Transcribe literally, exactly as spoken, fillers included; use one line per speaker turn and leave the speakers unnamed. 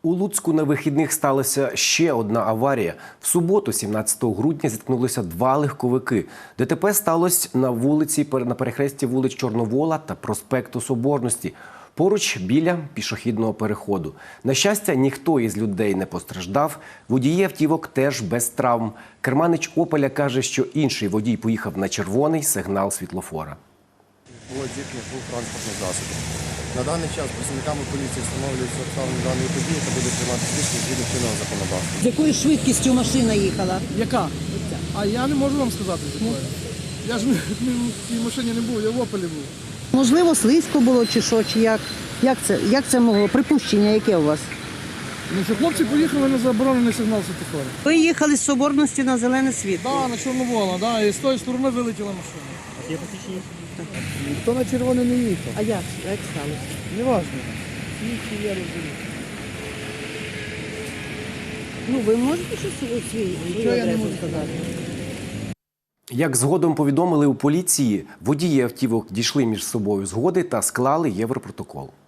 У Луцьку на вихідних сталася ще одна аварія. В суботу, сімнадцятого грудня, зіткнулися два легковики. ДТП сталося на вулиці, на перехресті вулиць Чорновола та проспекту Соборності, поруч біля пішохідного переходу. На щастя, ніхто із людей не постраждав. Водії автівок теж без травм. Керманич «Опеля» каже, що інший водій поїхав на червоний сигнал світлофора.
Було зіткнення двох транспортних засобів. На даний час працівниками поліції встановлюються обставини даної події та буде приймати рішення згідно чинного законодавства.
З якою швидкістю машина їхала?
Яка? А я не можу вам сказати. Якої. Я ж в цій машині не був, я в «Опелі» був.
Можливо, слизько було чи що, чи як? Як це, як це могло? Припущення яке у вас?
Ну, що хлопці поїхали на заборонений сигнал світлофора.
Ви їхали з Соборності на зелене світло?
Так, на Чорновола, да, і з тої сторони вилетіла машина.
Є посвідчення?
Ніхто на червоний не їхав.
А як? Як сталося?
Неважно. Слідчі я розумію.
Ну, ви можете щось у свій?
Нічого я не можу сказати.
Як згодом повідомили у поліції, водії автівок дійшли між собою згоди та склали європротокол.